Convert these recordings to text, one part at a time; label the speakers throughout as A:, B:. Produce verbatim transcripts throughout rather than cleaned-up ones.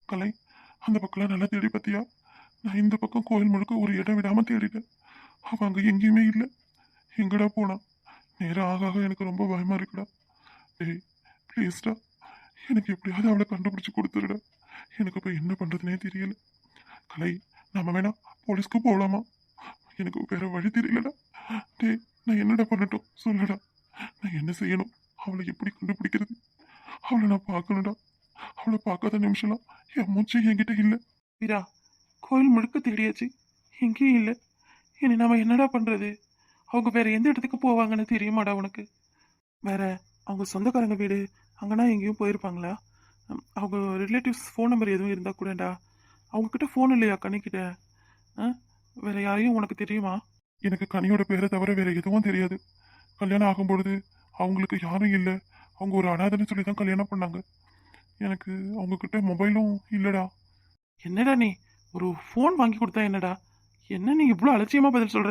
A: கலை, அந்த பக்கம்லாம் நல்லா தேடி பார்த்தியா? நான் இந்த பக்கம் கோயில் முழுக்க ஒரு இடம் விடாம தேடிட்டேன். அவ அங்க எங்கேயுமே இல்லை. எங்கடா போனா? நேரம் ஆக ஆக எனக்கு ரொம்ப பயமா இருக்குடா. டேய் ப்ளீஸ்டா, எனக்கு எப்படியாவது அவளை கண்டுபிடிச்சு கொடுத்துருடா. எனக்கு இப்போ என்ன பண்றதுனே தெரியல. கலை, நம்ம வேணா போலீஸ்க்கு போகலாமா? எனக்கு வேற வழி தெரியலடா. டேய், நான் என்னடா பண்ணட்டும் சொல்லுடா. நான் என்ன செய்யணும்? அவளை எப்படி கண்டுபிடிக்கிறது? அவளை நான் பார்க்கணும்டா. அவளை பார்க்காத நிமிஷம்லாம் என் மூச்சு என்கிட்ட இல்லை. வீரா, கோயில் முழுக்க தேடியாச்சு, எங்கேயும் இல்லை. இனி நாம என்னடா பண்றது? அவங்க வேற எந்த இடத்துக்கு போவாங்கன்னு தெரியுமாடா உனக்கு? வேற அவங்க சொந்தக்காரங்க வீடு அங்கன்னா எங்கேயும் போயிருப்பாங்களா? ம், அவங்க ரிலேட்டிவ்ஸ் ஃபோன் நம்பர் எதுவும் இருந்தா கூடடா. அவங்க கிட்ட ஃபோன் இல்லையா கனிக்கிட்ட? ஆ? வேற யாரையும் உனக்கு தெரியுமா? எனக்கு கனியோட பேரை தவிர வேற எதுவும் தெரியாது. கல்யாணம் ஆகும் பொழுது அவங்களுக்கு யாரும் இல்லை, அவங்க ஒரு அனாதைன்னு சொல்லி தான் கல்யாணம் பண்ணாங்க. எனக்கு அவங்க கிட்ட மொபைலும் இல்லடா. என்னடா நீ ஒரு ஃபோன் வாங்கி கொடுத்தா என்னடா? என்ன நீ இவ்வளோ அலட்சியமா பதில் சொல்ற?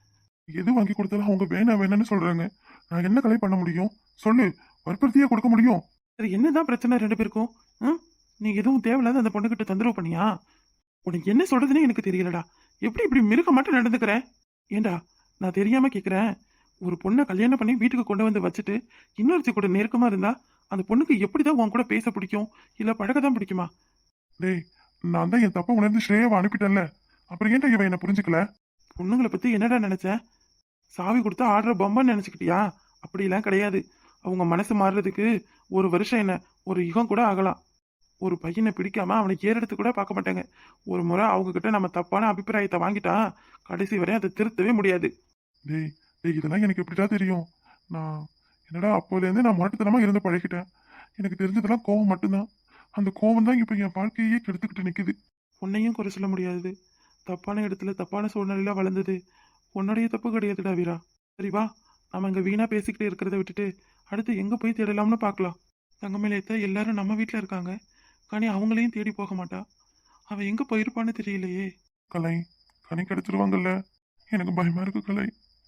A: எது வாங்கி கொடுத்தாலும் அவங்க வேணாம் வேணாம்னு சொல்றாங்க. நான் என்ன கலை பண்ண முடியும் சொல்லு? வற்புறுத்தியே கொடுக்க முடியும். சரி, என்னதான் பிரச்சனை ரெண்டு பேருக்கும்? ம்? நீ எதுவும் தேவையில்லாத அந்த பொண்ணுகிட்ட தொந்தரவு பண்ணியா? உனக்கு என்ன சொல்றதுன்னு எனக்கு தெரியலடா. எப்படி இப்படி மிருக மட்டும் நடந்துக்கிற? ஏண்டா, நான் தெரியாம கேக்குறேன். ஒரு பொண்ணை கல்யாணம் பண்ணி வீட்டுக்கு கொண்டு வந்து வச்சுட்டு இன்னொருத்தி கூட நெருக்கமா இருந்தா அந்த பொண்ணுக்கு எப்படிதான் உன் கூட பேச பிடிக்கும், இல்ல பழக தான் பிடிக்குமா? டேய், நான் தான் என் தப்ப உணர்ந்து ஸ்ரேயாவை அனுப்பிட்டேன்ல, அப்புறம் ஏன்டா இவன் என்ன புரிஞ்சுக்கல? பொண்ணுங்களை பத்தி என்னடா நினைச்ச? சாவி கொடுத்தா ஆடுற பொம்மைன்னு நினைச்சுக்கிட்டியா? அப்படிலாம் கிடையாது. அவங்க மனசு மாறுறதுக்கு ஒரு வருஷம் என்ன, ஒரு யுகம் கூட ஆகலாம். ஒரு பையனை பிடிக்காம அவனை ஏறெடுத்து கூட பார்க்க மாட்டாங்க. ஒரு முறை அவங்க கிட்ட நம்ம தப்பான அபிப்பிராயத்தை வாங்கிட்டா கடைசி வரை அதை திருத்தவே முடியாது. டேய் டேய், இதெல்லாம் எனக்கு எப்படிடா தெரியும்? நான் என்னடா அப்போலேருந்து நான் முரட்டுத்தனமா இருந்து பழகிட்டேன். எனக்கு தெரிஞ்சதெல்லாம் கோவம் மட்டும்தான். அந்த கோவம் தான் இப்போ என் வாழ்க்கையே கெடுத்துக்கிட்டு நிற்குது. உன்னையும் குறை சொல்ல முடியாது. தப்பான இடத்துல தப்பான சூழ்நிலையில வளர்ந்தது உன்னுடைய தப்பு கிடையாதுடா வீரா. சரி வா, நம்ம இங்க வீணா பேசிக்கிட்டு இருக்கிறத விட்டுட்டு அடுத்து எங்க போய் தேடலாம்னு பார்க்கலாம். தங்கமேலேத்த எல்லாரும் நம்ம வீட்டில் இருக்காங்க. கனி அவங்களையும் தேடி போக மாட்டா. அவ எங்க போயிருப்பான்னு தெரியலையே. கலை, கனி கிடைச்சிருவாங்கல்ல? எனக்கு பயமா இருக்கு கலை.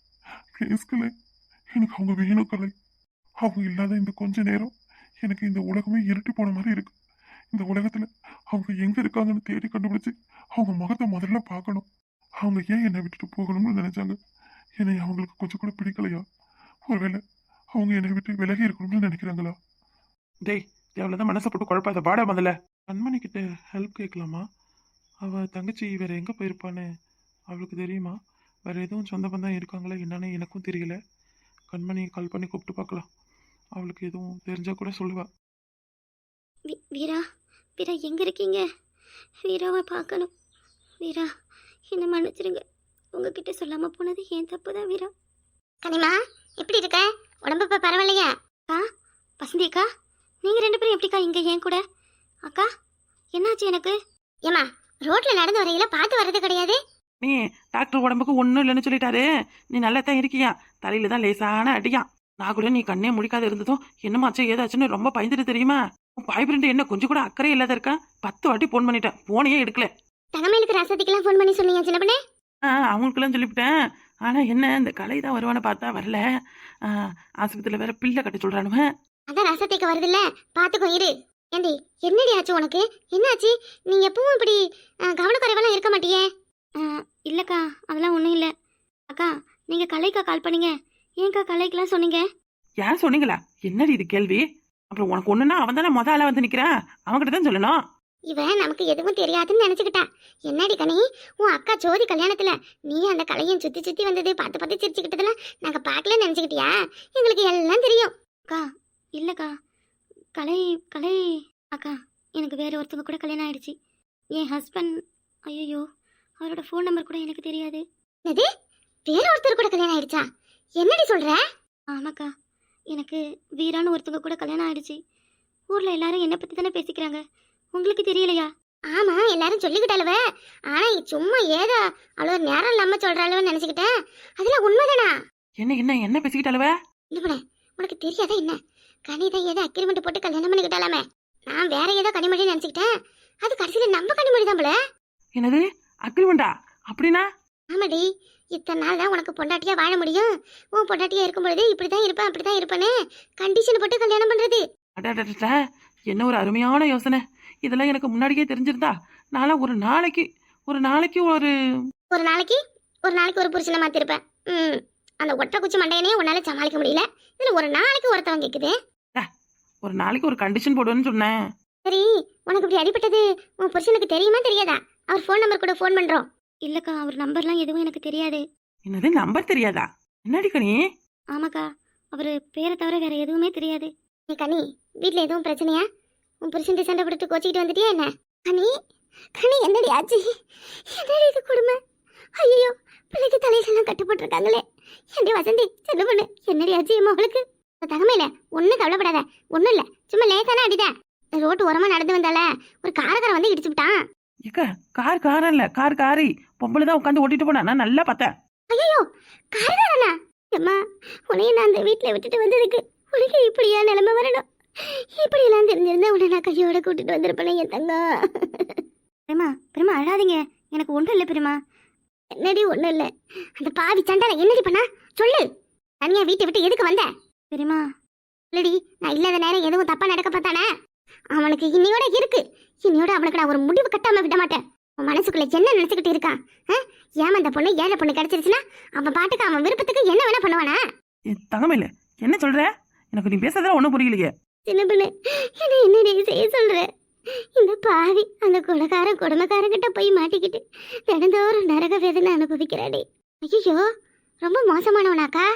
A: ப்ளீஸ் கலை, எனக்கு அவங்க வேணும் கலை. அவங்க இல்லாத இந்த கொஞ்ச நேரம் எனக்கு இந்த உலகமே இருட்டி போன மாதிரி இருக்கு. இந்த உலகத்துல அவங்க எங்க இருக்காங்கன்னு தேடி கண்டுபிடிச்சு அவங்க முகத்தை முதல்ல பார்க்கணும். அவங்க ஏன் என்னை விட்டுட்டு போகணும்னு நினைச்சாங்க? என்னை அவங்களுக்கு கொஞ்சம் கூட பிடிக்கலையா? ஒருவேளை அவங்க என்னை விட்டு விலகி இருக்கணும்னு நினைக்கிறாங்களா? டேய், எவ்வளவுதான் மனசை போட்டு குழப்பாத. பாடா முதல்ல கண்மணி கிட்ட ஹெல்ப் கேட்கலாமா? அவ தங்கச்சி வேற எங்க போயிருப்பான்னு அவளுக்கு தெரியுமா? வேற எதுவும் சொந்த பந்தம் இருக்காங்களா என்னன்னு எனக்கும் தெரியல. கண்மணி கால் பண்ணி கூப்பிட்டு பார்க்கலாம். அவளுக்கு எதுவும் தெரிஞ்சா கூட சொல்லுவா.
B: வீ- வீரா, வீரா எங்க இருக்கீங்க? வீராவை பார்க்கணும். வீரா, என்ன மன்னிச்சிருங்க. உங்ககிட்ட சொல்லாம போனது ஏன் தப்பு தான் வீரா. கனிமா, எப்படி இருக்க? உடம்பு இப்போ பரவாயில்லையா? அக்கா, வசந்தி அக்கா, நீங்க ரெண்டு பேரும் எப்படிக்கா இங்க ஏன் கூட? அக்கா, என்னாச்சு எனக்கு? ஏமா, ரோட்ல நடந்து வரையில பார்த்து வர்றது கிடையாது.
C: நீ டாக்டர் உடம்புக்கு ஒன்றும் இல்லைன்னு சொல்லிட்டாரு. நீ நல்லா தான் இருக்கியா? தலையில தான் லேசான அடியா. நான் கூட நீ கண்ணே முடிக்காத இருந்ததும் என்னமாச்சோ ஏதாச்சுன்னு ரொம்ப பயந்துட்டு தெரியுமா? உன் பாய் ஃப்ரெண்டு என்ன கொஞ்சம் கூட அக்கறை இல்லாத இருக்கா? பத்து வாட்டி ஃபோன் பண்ணிட்டேன், ஃபோனையே எடுக்கல.
B: தங்கமேலுக்கு ரசத்துக்கெல்லாம் ஃபோன் பண்ணி சொன்னீங்க சின்ன பண்ணே?
C: ஆ, அவங்களுக்கெல்லாம் சொல்லிவிட்டேன். ஆனா என்ன, இந்த கலை தான் வருவான்னு பார்த்தா வரல. ஆ, ஆஸ்பத்திரியில் வேற பிள்ளை கட்ட சொல்றானுவ.
B: அதான் ரசத்துக்கு வருதுல்ல, பார்த்துக்கோ இரு. ஏண்டி, என்னடி ஆச்சு உனக்கு? என்னாச்சு? நீ எப்பவும் இப்படி அஹ், கவனக்குறைவெல்லாம் இருக்க மாட்டியே. அஹ், இல்லக்கா, அதெல்லாம் ஒன்றும் இல்லை. அக்கா, நீங்கள் கலைக்கா கால் பண்ணீங்க. ஏன்க்கா கலைக்கெல்லாம் சொன்னீங்க?
C: ஏன் சொன்னீங்களா? என்னடி இது கேள்வி? அப்புறம் உனக்கு ஒண்ணுன்னா அவன் தானே முத ஆளா வந்து நிக்கிறான், அவன்கிட்ட தான் சொல்லணும்.
B: இவன் நமக்கு எதுவும் தெரியாதுன்னு நினைச்சுக்கிட்டான். என்னடி கனி, உன் அக்கா ஜோதி கல்யாணத்துல நீ அந்த கலையன் சுத்தி சுத்தி வந்தது பார்த்து பார்த்து சிரிச்சுக்கிட்டதெல்லாம் நாங்க பார்க்கலன்னு நினைச்சுக்கிட்டியா? எங்களுக்கு எல்லாம் தெரியும். அக்கா, இல்லக்கா, கலை கலை அக்கா, எனக்கு வேற ஒருத்தவங்க கூட கல்யாணம் ஆயிடுச்சு. என் ஹஸ்பண்ட், ஐயோ, அவரோட ஃபோன் நம்பர் கூட எனக்கு தெரியாது. அது வேற ஒருத்தர் கூட கல்யாணம் ஆயிடுச்சா? என்னடி சொல்ற? ஆமாக்கா, எனக்கு வீரான்னு ஒருத்தவங்க கூட கல்யாணம் ஆயிடுச்சு. ஊர்ல எல்லாரும் என்னை பத்தி தானே பேசிக்கிறாங்க, உங்களுக்கு தெரியலையா? ஆமா, எல்லாரும் சொல்லிக்கிட்டாலுவ. ஆனா சும்மா ஏதோ அவ்வளோ நேரம் இல்லாம சொல்றாளுவன்னு நினைச்சுக்கிட்டேன். அதெல்லாம் உண்மைதானா?
C: என்ன என்ன என்ன பேசிக்கிட்டாலுவ?
B: இல்ல, உனக்கு தெரியாதா என்ன? கனிதான் ஏதோ அக்ரிமெண்ட் போட்டு கல்யாணம் பண்ணிக்கிட்டாலாமே. நான் வேற ஏதோ கனிமொழி நினைச்சுக்கிட்டேன். அது கடைசியில நம்ம கனிமொழி தான் போல.
C: என்னது அக்ரிமெண்டா? அப்படின்னா?
B: ஆமாடி, இத்தனை நாள் தான் உனக்கு பொண்டாட்டியா வாழ முடியும். உன் பொண்டாட்டியா இருக்கும் பொழுது இப்படிதான் இருப்பேன் அப்படிதான் இருப்பேன்னு கண்டிஷன் போட்டு கல்யாணம் பண்றது.
C: அடடடட, என்ன ஒரு அருமையான யோசனை. இதெல்லாம் எனக்கு முன்னாடியே தெரிஞ்சிருந்தா நான்லாம் ஒரு நாளைக்கு ஒரு நாளைக்கு ஒரு
B: ஒரு நாளைக்கு ஒரு நாளைக்கு ஒரு புருஷனை மாத்திருப்பேன். ம் அந்த ஒற்றை குச்சி மண்டையனே உன்னால சமாளிக்க முடியல, இதுல ஒரு நாளைக்கு ஒருத்தவன் கேக்குது.
C: ஒரு நாளைக்கு ஒரு கண்டிஷன் போடுவேன்னு சொன்னேன்.
B: சரி, உனக்கு இப்படி அடிபட்டது உன் புருஷனுக்கு தெரியுமா தெரியாதா? அவர் ஃபோன் நம்பர் கூட ஃபோன் பண்றோம். இல்லக்கா, அவர் நம்பர்லாம் எதுவும் எனக்கு தெரியாது.
C: என்னது நம்பர் தெரியாதா? என்னடி கனி?
B: ஆமாக்கா, அவர் பேரை தவிர வேற எதுவுமே தெரியாது. நீ கனி, வீட்ல எதுவும் பிரச்சனையா? உன் புருஷன் சண்டை போட்டு கோச்சிக்கிட்டு வந்துட்டியா என்ன? கனி கனி என்னடி ஆச்சு? என்னடி இது கொடுமை? ஐயோ, பிள்ளைக்கு தலையிலெல்லாம் கட்டுப்பட்டுருக்காங்களே. ஏண்டி வசந்தி, சின்ன பொண்ணு, என்னடி ஆச்சு மகளுக்கு? தகமையில ஒன்றும் கவலைப்படாத, ஒன்றும் இல்லை, சும்மா லேசான அடிதான். ரோட்டு ஓரமா நடந்து வந்தால ஒரு காரக்காரன் வந்து இடிச்சு விட்டான்.
C: ஏக்கா, கார் காரம் இல்ல, கார் காரி பொம்பளை தான் உட்காந்து ஓட்டிட்டு போனா. நான் நல்லா பார்த்தேன்.
B: ஐயோ, காரக்காரனா? அம்மா, உன்னைய நான் அந்த வீட்டில் விட்டுட்டு வந்ததுக்கு உனக்கு இப்படியா நிலைமை வரணும்? இப்படியெல்லாம் தெரிஞ்சிருந்தா உன்னை நான் கையோட கூட்டிட்டு வந்திருப்பேன் என் தங்கம். பெருமா பெருமா அழாதீங்க, எனக்கு ஒன்றும் இல்லை பெருமா. என்னடி ஒன்றும் இல்லை? அந்த பாவி சண்டால என்னடி பண்ணா சொல்லு. தனியா வீட்டை விட்டு எதுக்கு வந்த? பெருமா இல்லடி, நான் இல்லாத நேரம் எதுவும் தப்பா நடக்க பார்த்தானே, அவனுக்கு இன்னையோட இருக்கு. இன்னையோட அவனுக்கு நான் ஒரு முடிவு கட்டாம விட மாட்டேன். உன் மனசுக்குள்ள என்ன நினைச்சுக்கிட்டு இருக்கான்? ஏமா அந்த பொண்ணு ஏழை பொண்ணு கிடைச்சிருச்சுன்னா அவன் பாட்டுக்கு அவன் விருப்பத்துக்கு என்ன வேணா பண்ணுவானா?
C: தங்கமையில என்ன சொல்ற? எனக்கு நீ பேசுறதுல ஒன்றும் புரியலையே.
B: சின்ன பொண்ணு, என்ன என்னடி செய்ய சொல்ற? இந்த பாவி அந்த கொலைக்காரன் கொடுமைக்காரங்கிட்ட போய் மாட்டிக்கிட்டு தினந்தோறும் நரக வேதனை அனுபவிக்கிறாடே. ஐயோ, ரொம்ப மோசமானவனாக்கா.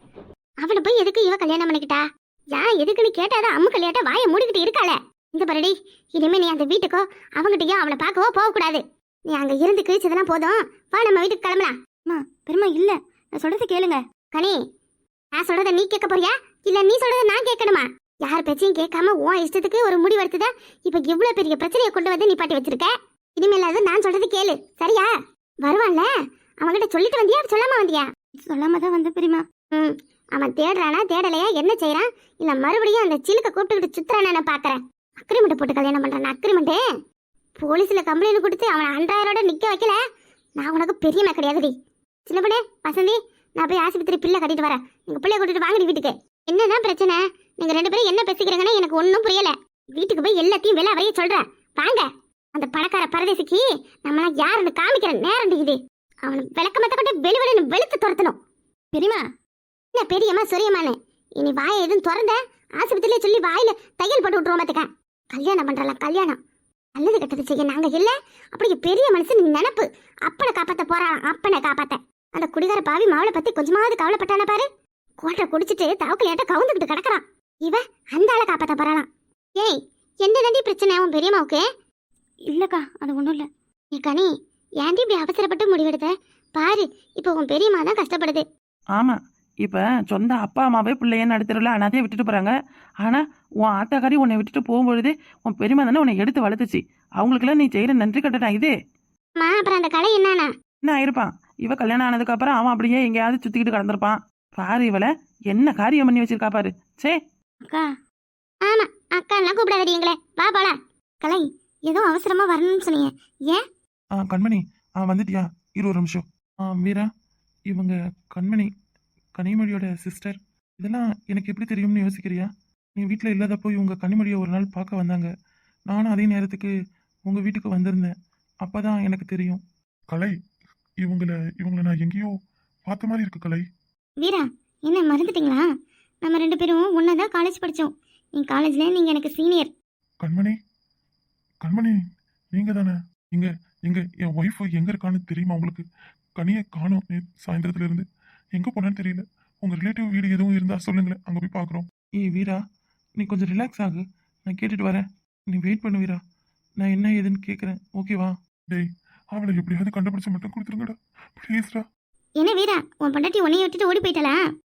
B: அவனை போய் எதுக்கு இவ கல்யாணம் பண்ணிக்கிட்டா? யான் எதுக்குன்னு கேட்டாதான் அம்மு கல்யாட்ட வாயை மூடிக்கிட்டு இருக்காள. இந்த பரடி, இனிமே நீ அந்த வீட்டுக்கோ அவங்கிட்டயோ அவனை பார்க்கவோ போகக்கூடாது. நீ அங்க இருந்து கிழிச்சதெல்லாம் போதும், வா நம்ம வீட்டுக்கு கிளம்பலாம். அம்மா பெருமா இல்ல, நான் சொல்றது கேளுங்க. கனி, நான் சொல்றத நீ கேட்க போறியா இல்ல நீ சொல்றத நான் கேட்கணுமா? யார் பேச்சையும் கேட்காம உன் இஷ்டத்துக்கு ஒரு முடிவு எடுத்துத இப்ப இவ்வளவு பெரிய பிரச்சனையை கொண்டு வந்து நீ பாட்டி வச்சிருக்க. இனிமேலாவது நான் சொல்றது கேளு, சரியா? வருவான்ல, அவன்கிட்ட சொல்லிட்டு வந்தியா சொல்லாம வந்தியா? சொல்லாம தான் வந்த பெரியமா. ம் அவன் தேடுறானா தேடலையா, என்ன செய்யறான், இல்ல மறுபடியும் அந்த சிலுக்க கூப்பிட்டுக்கிட்டு சுத்துறானா நான் பாக்குறேன். அக்ரிமெண்ட் போட்டு கல்யாணம் பண்றான். அக்ரிமெண்ட் போலீஸ்ல கம்ப்ளைண்ட் கொடுத்து அவனை அன்றாயரோட நிக்க வைக்கல, நான் உனக்கு பெரியமா கிடையாதுடி. சின்ன பொண்ணே வசந்தி, நான் போய் ஆஸ்பத்திரி பிள்ளை கட்டிட்டு வரேன். எங்க பிள்ளைய கூட்டிட்டு வாங்கடி வீட்டுக்கு. என்னதான் பிரச்சனை? நீங்க ரெண்டு பேரும் என்ன பேசிக்கிறீங்கன்னு எனக்கு ஒன்றும் புரியல. வீட்டுக்கு போய் எல்லாத்தையும் வெளில வரைய சொல்றேன். வாங்க, அந்த பணக்கார பரதேசிக்கு நம்மளாம் யாருன்னு காமிக்கிற நேரம் இது. அவனை விளக்கமத்த கொண்டு வெளிவெளி வெளுத்து துரத்தணும். பெரியமா என்ன பெரியம்மா சொரியம்மான்னு இனி வாயை எதுவும் திறந்த ஆஸ்பத்திரியிலே சொல்லி வாயில தையல் போட்டு விட்டுருவோம். பார்த்துக்க, கல்யாணம் பண்றலாம் கல்யாணம். நல்லது கெட்டது செய்ய நாங்க இல்ல. அப்படி பெரிய மனுஷன் நினப்பு. அப்பனை காப்பாத்த போறான், அப்பனை காப்பாத்த. அந்த குடிகார பாவி மாவளை பத்தி கொஞ்சமாவது கவலைப்பட்டான பாரு. கோட்டை குடிச்சிட்டு தவக்கலையாட்ட கவுந்துக்கிட்டு கிடக்குறான். இவ அந்த ஆளை காப்பாத்த போறாளாம். ஏய், என்ன நண்டி பிரச்சனை உன் பெரியம்மாவுக்கு? இல்லக்கா, அது ஒண்ணும் இல்ல. நீ கனி, ஏன்டி இப்படி அவசரப்பட்டு முடிவெடுத்த? பாரு, இப்ப உன் பெரியம்மா தான் கஷ்டப்படுது.
C: ஆமா, இப்ப சொந்த அப்பா அம்மாவே பிள்ளைய நடுத்தருல அனாதையை விட்டுட்டு போறாங்க. ஆனா உன் ஆத்தாக்காரி உன்னை விட்டுட்டு போகும்பொழுது உன் பெரியம்மா தானே உன்னை எடுத்து வளர்த்துச்சு. அவங்களுக்குலாம் நீ செய்யற நன்றி கட்டணா இது.
B: மா அப்புறம் அந்த கலை என்னன்னா
C: என்ன ஆயிருப்பான்? இவ கல்யாணம் ஆனதுக்கு அப்புறம் அவன் அப்படியே எங்கேயாவது சுத்திக்கிட்டு கடந்திருப்பான். பாரு இவளை என்ன காரியம் பண்ணி வச்சிருக்கா பாரு. சே
B: அக்கா, ஆமா அக்கா எல்லாம் கூப்பிடாதடி எங்களே, வா போலாம். கலை, ஏதோ அவசரமா வரணும்னு சொன்னீங்க, ஏன்?
A: ஆ கண்மணி, ஆ வந்துட்டியா? இரு ஒரு நிமிஷம். ஆ வீரா, இவங்க கண்மணி கனிமொழியோட சிஸ்டர். இதெல்லாம் எனக்கு எப்படி தெரியும்னு யோசிக்கிறியா? நீ வீட்டில் இல்லாதப்போ இவங்க கனிமொழியை ஒரு நாள் பார்க்க வந்தாங்க. நானும் அதே நேரத்துக்கு உங்கள் வீட்டுக்கு வந்திருந்தேன். அப்போ தான் எனக்கு தெரியும். கலை, இவங்கள இவங்கள நான் எங்கேயோ பார்த்த மாதிரி இருக்கு கலை.
B: வீரா, என்ன மறந்துட்டீங்களா? நம்ம ரெண்டு பேரும் ஒன்னா தான் காலேஜ் படித்தோம். நீ காலேஜ்ல நீங்க எனக்கு சீனியர்.
A: கண்மணி, கண்மணி நீங்க தானே? இங்க எங்க என் ஒய்ஃப் எங்க இருக்கான்னு தெரியுமா உங்களுக்கு? கனியை காணோம் சாயந்தரத்துல இருந்து. எங்க போனான்னு தெரியல. உங்க ரிலேட்டிவ் வீடு எதுவும் இருந்தா சொல்லுங்களேன், அங்க போய் பாக்குறோம். ஏய் வீரா, நீ கொஞ்சம் ரிலாக்ஸ் ஆகு, நான் கேட்டுட்டு வரேன். நீ வெயிட் பண்ணு வீரா, நான் என்ன ஏதுன்னு கேட்குறேன், ஓகேவா? டேய், அவளை எப்படியாவது கண்டுபிடிச்சு மட்டும் கொடுத்துருங்கடா ப்ளீஸ்டா.
B: என்ன வீரா, உன் பொண்டாட்டி உன்னைய விட்டுட்டு ஓடி போயிட்டலா?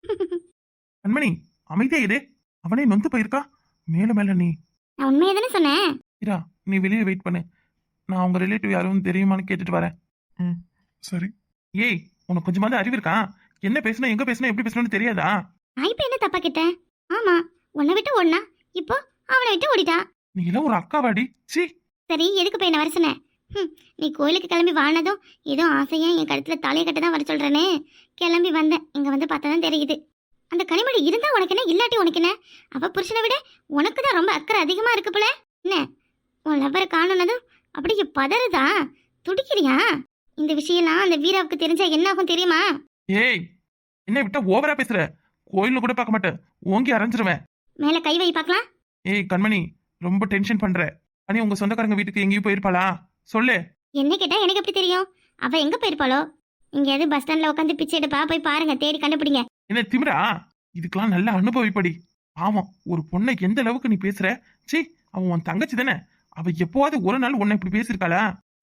A: கண்மணி அமைதியா இரு, அவனே நொந்து போயிருக்கா. மேல மேல நீ.
B: நான் உண்மையை தானே சொன்னேன்.
A: வீரா, நீ வெளியே வெயிட் பண்ணு, நான் உங்க ரிலேட்டிவ் யாரும் தெரியுமான்னு கேட்டுட்டு வரேன். ம் சரி. ஏய், உனக்கு கொஞ்சமாவது அறிவு இருக்கா? என்ன பேசணும், எங்க பேசணும், எப்படி பேசணும்னு தெரியாதா?
B: நான் இப்ப என்ன தப்பா கேட்டேன்? ஆமா, உன்னை விட்டு ஓடினா, இப்போ அவனை விட்டு ஓடிட்டா.
A: நீ எல்லாம் ஒரு அக்காவாடி. சீ.
B: சரி, எதுக்கு போய் என்ன வர சொன்ன? ம், நீ கோயிலுக்கு கிளம்பி வாழ்னதும் ஏதோ ஆசையா என் கழுத்துல தலையை கட்ட தான் வர சொல்றேனே. கிளம்பி வந்தேன், இங்க வந்து பார்த்தா தான் தெரியுது. அந்த கனிமொழி இருந்தா உனக்கு என்ன, இல்லாட்டி உனக்கு என்ன? அவ புருஷனை விட உனக்கு தான் ரொம்ப அக்கறை அதிகமா இருக்கு போல. என்ன உன் லவ்வரை காணுனதும் அப்படியே பதறுதா, துடிக்கிறியா? இந்த விஷயம்லாம் அந்த வீராவுக்கு தெரிஞ்சா என்ன ஆகும் தெரியுமா?
C: ஏய், என்ன விட்டா ஓவரா பேசுற. கோயில்னு கூட பார்க்க மாட்டேன், ஓங்கி அரைஞ்சிருவேன்.
B: மேல கை வை பார்க்கலாம்.
C: ஏய் கண்மணி, ரொம்ப டென்ஷன் பண்ற. அனி உங்க சொந்தக்காரங்க வீட்டுக்கு எங்கேயும் போயிருப்பாளா? சொல்லு.
B: என்ன கேட்டா எனக்கு எப்படி தெரியும்? அவ எங்க போயிருப்பாளோ? எங்கேயாவது பஸ் ஸ்டாண்ட்ல உட்காந்து பிச்சை எடுப்பா, போய் பாருங்க, தேடி கண்டுபிடிங்க.
C: என்ன திமிரா? இதுக்கெல்லாம் நல்ல அனுபவிப்படி. ஆமாம், ஒரு பொண்ணை எந்த அளவுக்கு நீ பேசுற. சீ, அவன் உன் தங்கச்சி தானே. அவ எப்போவாது ஒரு நாள் உன்னை இப்படி பேசியிருக்காளா?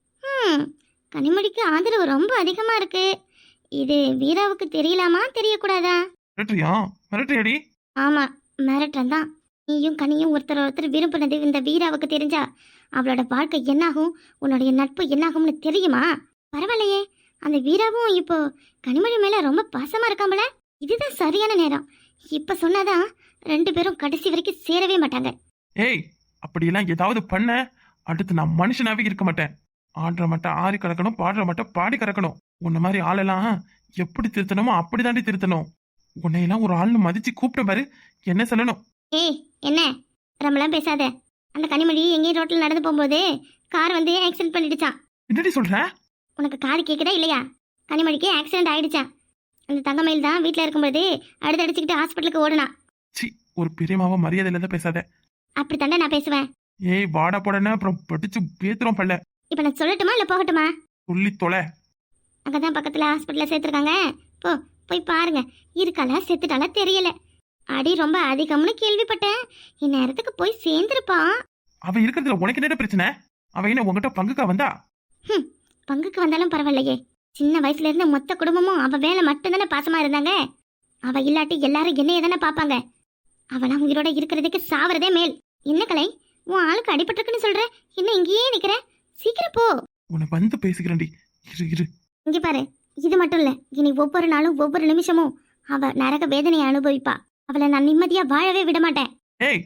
B: ம் கனிமொழிக்கு ஆதரவு ரொம்ப அதிகமா இருக்கு. இது வீராவுக்கு தெரியலாமா, தெரியக்கூடாதா?
C: மிரட்டுறியா? மிரட்டுறியாடி?
B: ஆமா, மிரட்டுறேன் தான். நீயும் கனியும் ஒருத்தர் ஒருத்தர் விரும்பினது இந்த வீராவுக்கு தெரிஞ்சா அவளோட வாழ்க்கை என்னாகும், உன்னுடைய நட்பு என்னாகும்னு தெரியுமா? பரவாயில்லையே, அந்த வீராவும் இப்போ கனிமொழி மேல ரொம்ப பாசமா இருக்காமல. இதுதான் சரியான நேரம். இப்ப சொன்னாதான் ரெண்டு பேரும் கடைசி வரைக்கும் சேரவே மாட்டாங்க.
C: ஏய், அப்படியெல்லாம் ஏதாவது பண்ண அடுத்து நான் மனுஷனாவே இருக்க மாட்டேன். ஆடுற மட்டும் ஆறி கறக்கணும், பாடுற மட்டும் பாடி கறக்கணும். உன்ன மாதிரி ஆளெல்லாம் எப்படி திருத்தணுமோ அப்படிதாண்டி திருத்தணும். உன்னையெல்லாம் ஒரு ஆள்னு மதிச்சு கூப்பிட்ட பாரு, என்ன சொல்லணும்?
B: ஏய் என்ன ரொம்பலாம் பேசாத. அந்த கனிமொழி எங்கேயும் ரோட்டில் நடந்து போகும்போது கார் வந்து ஆக்சிடென்ட் பண்ணிடுச்சான்.
C: என்னடி சொல்ற?
B: உனக்கு காது கேட்குதா இல்லையா? கனிமொழிக்கு ஆக்சிடென்ட் ஆயிடுச்சான். அந்த தங்கமயில் தான் வீட்டில் இருக்கும்போது அடுத்து அடிச்சுக்கிட்டு ஹாஸ்பிட்டலுக்கு ஓடுனா.
C: சி, ஒரு பெரியமாவ மரியாதையில தான் பேசாத.
B: அப்படி தாண்டா நான் பேசுவேன்.
C: ஏய் வாடா போடனா, அப்புறம் படிச்சு பேத்துறோம் பல்ல.
B: இப்போ நான் சொல்லட்டுமா இல்லை போகட்டுமா?
C: சொல்லி தொலை.
B: அங்கே தான் பக்கத்தில் ஹாஸ்பிட்டலில் சேர்த்துருக்காங்க. போ, போய் பாருங்க. இருக்காளா செத்துட்டாளா தெரியல. அடி ரொம்ப அதிகம்னு கேள்விப்பட்டேன். இந்நேரத்துக்கு போய் சேர்ந்துருப்பான்.
C: அவ இருக்கிறதுல உனக்கு என்ன பிரச்சனை? அவ என்ன உங்ககிட்ட பங்குக்கா வந்தா?
B: ம் பங்குக்கு வந்தாலும் பரவாயில்லையே. சின்ன வயசுல இருந்து மொத்த குடும்பமும் அவ வேலை மட்டும்தானே பாசமா இருந்தாங்க. அவ இல்லாட்டி எல்லாரும் என்னைய தானே பார்ப்பாங்க. அவளாம் உயிரோட இருக்கிறதுக்கு சாவறதே மேல். என்ன கலை, உன் ஆளுக்கு அடிபட்டிருக்குன்னு சொல்ற, என்ன இங்கேயே நிக்கிற? சீக்கிரம் போ.
C: உன்னை வந்து பேசிக்கிறேன்டி, இரு இரு.
B: இங்க பாரு, இது மட்டும் இல்ல, இனி ஒவ்வொரு நாளும் ஒவ்வொரு நிமிஷமும் அவ நரக வேதனையை அனுபவிப்பா. அவளை நான் நிம்மதியா வாழவே விட மாட்டேன்.
C: ஏய்,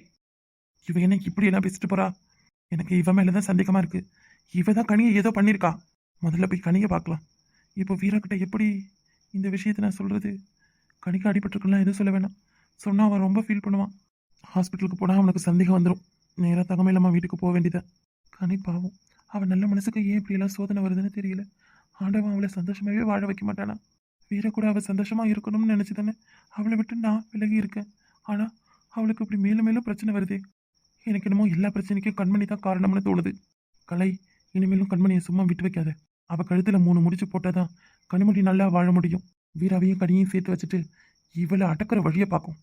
C: இவ என்ன இப்படி எல்லாம் பேசிட்டு போறா? எனக்கு இவ மேலதான் சந்தேகமா இருக்கு. இவ தான் கனியை ஏதோ பண்ணிருக்கா. முதல்ல போய் கனியை பார்க்கலாம். இப்போ வீரக்கிட்ட எப்படி இந்த விஷயத்தை நான் சொல்றது? கனிக்கு அடிபட்டிருக்கலாம் எதுவும் சொல்ல வேணாம். சொன்னா அவன் ரொம்ப ஃபீல் பண்ணுவான். ஹாஸ்பிட்டலுக்கு போனா அவனுக்கு சந்தேகம் வந்துடும். நேராக தகமையிலம்மா வீட்டுக்கு போக வேண்டியதான். கனி பாவம், அவன் நல்ல மனசுக்கு ஏன் இப்படி எல்லாம் சோதனை வருதுன்னு தெரியல. ஆண்டவன் அவளை சந்தோஷமாவே வாழ வைக்க மாட்டானா? வீர கூட அவள் சந்தோஷமா இருக்கணும்னு நினைச்சு தானே அவளை விட்டு நான் விலகி இருக்கேன். ஆனா அவளுக்கு இப்படி மேலும் மேலும் பிரச்சனை வருதே. எனக்கு என்னமோ எல்லா பிரச்சனைக்கும் கண்மணி தான் காரணம்னு தோணுது. கலை, இனிமேலும் கண்மணியை சும்மா விட்டு வைக்காத. அவ கழுத்துல மூணு முடிச்சு போட்டாதான் கனிமொழி நல்லா வாழ முடியும். வீராவையும் கனியையும் சேர்த்து வச்சுட்டு இவளை அடக்கிற வழியை பார்க்கும்.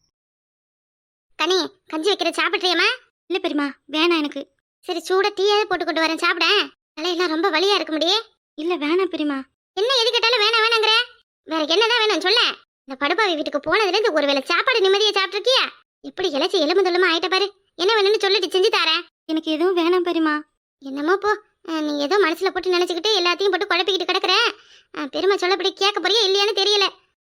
B: கனி, கஞ்சி வைக்கிற சாப்பிட்றியம்மா? இல்ல பெரியமா, வேணாம் எனக்கு. சரி, சூட டீயாவது போட்டு கொண்டு வரேன், சாப்பிட. தலையெல்லாம் ரொம்ப வலியா இருக்க முடியே. இல்ல வேணாம் பெரியமா. என்ன எது கேட்டாலும் வேணாம் வேணாங்கிற? வேற என்னதான் வேணும் சொல்ல. இந்த படுபாவி வீட்டுக்கு போனதுல இருந்து ஒருவேளை சாப்பாடு நிம்மதியா சாப்பிட்டுருக்கியா? எப்படி இழைச்சி எலும்பு தொல்லுமா ஆயிட்ட பாரு. என்ன வேணும்னு சொல்லிட்டு செஞ்சு தரேன். எனக்கு எதுவும் வேணாம் பெரியமா. என்னமோ போ, நீ ஏதோ மனசுல போட்டு நினைச்சுக்கிட்டு எல்லாத்தையும் போட்டு குழப்பிக்கிட்டு கிடக்குற. பெருமை சொல்லப்படி கேட்க போறியா இல்லையான்னு தெரியல.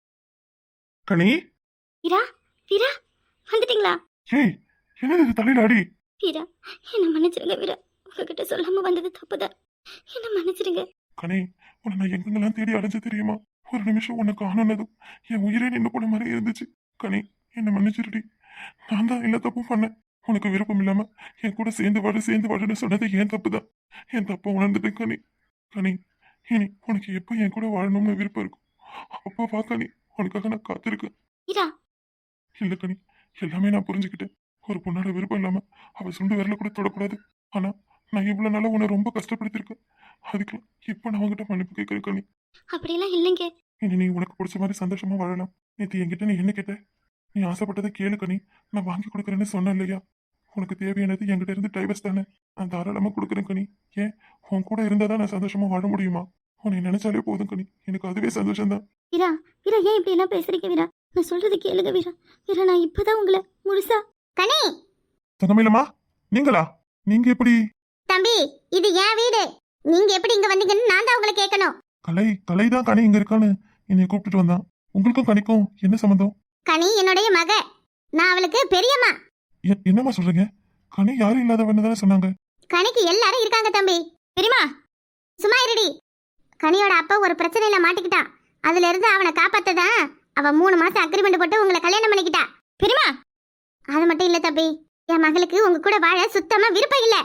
A: கனி,
B: வீரா, வீரா வந்துட்டீங்களா?
A: ஏய் என்னது இது தலையில அடி?
B: வீரா, என்ன மன்னிச்சிருங்க வீரா. உங்ககிட்ட சொல்லாம வந்தது தப்புதான். என்ன மன்னிச்சிருங்க.
A: கனி, உன்னை நான் எங்கெங்கெல்லாம் தேடி அடைஞ்சு தெரியுமா? ஒரு நிமிஷம் உன்னை காணனதும் என் உயிரே நின்று போன மாதிரி இருந்துச்சு. கனி, என்னை மன்னிச்சிருடி. நான் தான் எல்லா தப்பும் பண்ணேன். உனக்கு விருப்பம் இல்லாம என் கூட சேர்ந்து வாடு சேர்ந்து வாடுன்னு சொன்னது ஏன் தப்பு தான். என் தப்ப உணர்ந்துட்டேன் கனி. கனி, இனி உனக்கு எப்போ என் கூட வாழணும்னு விருப்பம் இருக்கும் அப்பா வா கனி, உனக்காக நான் காத்திருக்கேன்.
B: வீரா,
A: இல்ல கனி, எல்லாமே நான் புரிஞ்சுக்கிட்டேன். ஒரு பொண்ணோட விருப்பம் இல்லாம அவ சுண்டு விரல கூட தொடக்கூடாது. ஆனா நான் இவ்வளவு நாளா உன்னை ரொம்ப கஷ்டப்படுத்திருக்கேன். அதுக்கு இப்ப நான் உங்ககிட்ட மன்னிப்பு கேட்கிறேன் கனி.
B: அப்படியெல்லாம் இல்லைங்க.
A: இனி நீ உனக்கு பிடிச்ச மாதிரி சந்தோஷமா வாழலாம். நேற்று என்கிட்ட நீ என்ன கேட்ட? நீ ஆசைப்பட்டதை கேளு கனி, நான் வாங்கி கொடுக்குறேன்னு சொன்னேன் இல்லையா? உனக்கு தேவையானது என்கிட்ட இருந்து டைவர்ஸ் தானே, நான் தாராளமா கொடுக்குறேன் கனி. ஏன், உன் கூட இருந்தாதான் நான் சந்தோஷமா வாழ முடியுமா? உன்னை நினைச்சாலே போதும் கனி, எனக்கு அதுவே சந்தோஷம்தான்.
B: வீரா, வீரா ஏன் இப்படி எல்லாம் பேசுறீங்க வீரா? நான் சொல்றது கேளுங்க வீரா. வீரா, நான் இப்பதான் உங்களை முழுசா. கனி,
A: தங்கமயிலம்மா, நீங்களா? நீங்க எப்படி?
B: தம்பி, இது என் வீடு. நீங்க எப்படி இங்க வந்தீங்கன்னு நான் தான் உங்களை கேட்கணும்.
A: கலை, கலை தான் கனி இங்க இருக்கான்னு என்னை கூப்பிட்டுட்டு வந்தான். உங்களுக்கும் கனிக்கும் என்ன சம்மந்தம்?
B: கனி என்னுடைய மக, நான் அவளுக்கு பெரியம்மா.
A: எ- என்னம்மா சொல்றீங்க? கனி யாரும் இல்லாதவன்னு தானே சொன்னாங்க.
B: கனிக்கு எல்லாரும் இருக்காங்க தம்பி. பெரியம்மா சும்மா இருடி. கனியோட அப்பா ஒரு பிரச்சனையில மாட்டிக்கிட்டான். அதுல இருந்து அவனை காப்பாத்ததான் அவ மூணு மாசம் அக்ரிமெண்ட் போட்டு உங்களை கல்யாணம் பண்ணிக்கிட்டா. பெரியம்மா, அது மட்டும் இல்ல தம்பி, என் மகளுக்கு உங்க கூட வாழ சுத்தமா விருப்பம் இல்ல.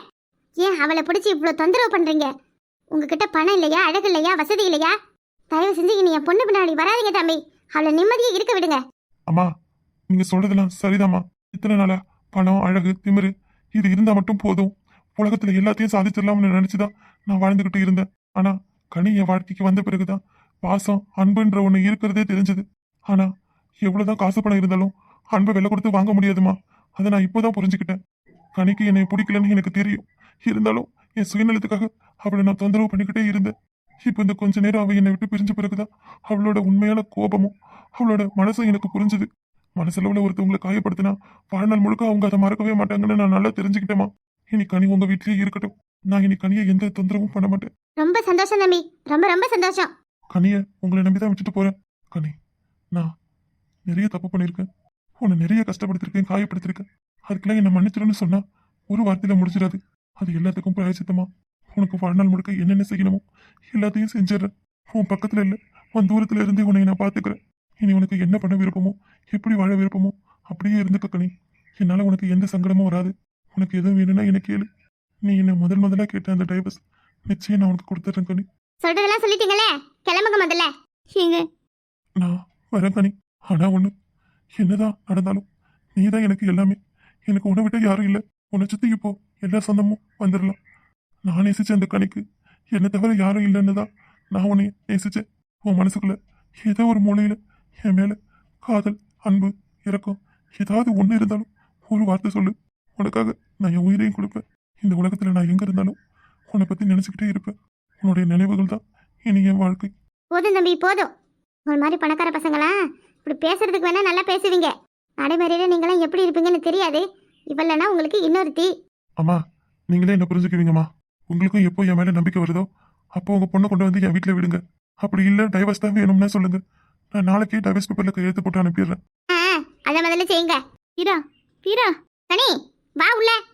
B: ஏன் அவளை பிடிச்சி இவ்வளோ தொந்தரவு பண்றீங்க? உங்ககிட்ட பணம் இல்லையா, அழகு இல்லையா, வசதி இல்லையா? தயவு செஞ்சு இனி என் பொண்ணு பின்னாடி வராதீங்க தம்பி. அவளை நிம்மதியை இருக்க விடுங்க.
A: அம்மா நீங்க சொல்றதெல்லாம் சரிதாம்மா. இத்தனை நாளா பணம் அழகு திமிரு இது இருந்தா மட்டும் போதும், உலகத்துல எல்லாத்தையும் சாதிச்சிடலாம்னு நினைச்சுதான் நான் வாழ்ந்துகிட்டு இருந்தேன். ஆனா கனி என் வாழ்க்கைக்கு வந்த பிறகுதான் பாசம் அன்புன்ற ஒண்ணு இருக்கிறதே தெரிஞ்சது. ஆனா எவ்வளவுதான் காசு பணம் இருந்தாலும் அன்பை விலை கொடுத்து வாங்க முடியாதுமா. அதை நான் இப்போதான் புரிஞ்சுக்கிட்டேன். கனிக்கு என்னை பிடிக்கலன்னு எனக்கு தெரியும். இருந்தாலும் என் சுயநலத்துக்காக அவளை நான் தொந்தரவு பண்ணிக்கிட்டே இருந்தேன். இப்போ இந்த கொஞ்ச நேரம் அவ என்னை விட்டு பிரிஞ்ச பிறகுதான் அவளோட உண்மையான கோபமும் அவளோட மனசும் எனக்கு புரிஞ்சுது. மனசளவுல ஒருத்தவங்களை காயப்படுத்தினா வாழ்நாள் முழுக்க அவங்க அதை மறக்கவே மாட்டாங்கன்னு நான் நல்லா தெரிஞ்சுக்கிட்டேமா. இனி கனி உங்க வீட்லயே இருக்கட்டும். நான் இனி கனியை எந்த தொந்தரவும் பண்ண மாட்டேன்.
B: ரொம்ப சந்தோஷம் தம்பி, ரொம்ப ரொம்ப சந்தோஷம்.
A: கனியை உங்களை நம்பிதான் விட்டுட்டு போறேன். கனி நான் நிறைய தப்பு பண்ணியிருக்கேன், உன்னை நிறைய கஷ்டப்படுத்திருக்கேன், காயப்படுத்திருக்கேன். அதுக்கெல்லாம் என்னை மன்னிச்சிடுன்னு சொன்னா ஒரு வார்த்தையில முடிச்சிடாது. அது எல்லாத்துக்கும் பிராயச்சித்தமா உனக்கு வாழ்நாள் முழுக்க என்னென்ன செய்யணுமோ எல்லாத்தையும் செஞ்சிடறேன். உன் பக்கத்துல இல்லை, உன் தூரத்துல இருந்து உன்னை நான் பாத்துக்கிறேன். இனி உனக்கு என்ன பண்ண விருப்பமோ எப்படி வாழ விருப்பமோ அப்படியே இருந்துக்க கனி. என்னால உனக்கு எந்த சங்கடமும் வராது. உனக்கு எதுவும் வேணும்னா என்ன கேளு. நீ என்ன முதல் முதலா கேட்ட அந்த டைவர்ஸ் நிச்சயம் நான் உனக்கு கொடுத்துட்றேன் கனி.
B: சொல்றதெல்லாம் சொல்லிட்டீங்களே, கிளம்புங்க முதல்ல. ஏங்க
A: நான் வரேன் கனி. ஆனா ஒண்ணு, என்னதான் நடந்தாலும் நீதான் எனக்கு எல்லாமே. எனக்கு உன்னை விட்ட யாரும் இல்லை. உன்னை சுத்தி இப்போ எல்லா சொந்தமும் வந்துடலாம். நான் நேசிச்ச அந்த கனிக்கு என்னை தவிர யாரும் இல்லைன்னு தான் நான் உன்னை நேசிச்சேன். உன் மனசுக்குள்ள ஏதோ ஒரு மூலையில என் மேல காதல் அன்பு இரக்கம் ஏதாவது ஒண்ணு இருந்தாலும் ஒரு வார்த்தை சொல்லு. உனக்காக நான் என் உயிரையும் கொடுப்பேன். இந்த உலகத்துல நான் எங்க இருந்தாலும் உன்னை பத்தி நினைச்சுக்கிட்டே இருப்பேன். உன்னுடைய நினைவுகள் தான் இனி என் வாழ்க்கை.
B: போதும் தம்பி போதும். ஒரு மாதிரி பணக்கார பசங்களா இப்படி பேசுறதுக்கு வேணா நல்லா பேசுவீங்க, நடைமுறையில நீங்களாம் எப்படி இருப்பீங்கன்னு தெரியாது. இவளனா உங்களுக்கு இன்னொருத்தி.
A: அம்மா நீங்களே என்ன புரிஞ்சுக்குவீங்கம்மா. உங்களுக்கும் எப்போ என் மேல நம்பிக்கை வருதோ அப்போ உங்க பொண்ணை கொண்டு வந்து என் வீட்டுல விடுங்க. அப்படி இல்ல டைவர்ஸ் தான் வேணும்னா சொல்லுங்க. நான் நாளைக்கே டைவர்ஸ் பேப்பர்ல கையெழுத்து போட்டு அனுப்பிடுறேன்.
B: ஆ, அத முதல்ல செய்யுங்க. வீரா வீரா கனி வா உள்ள.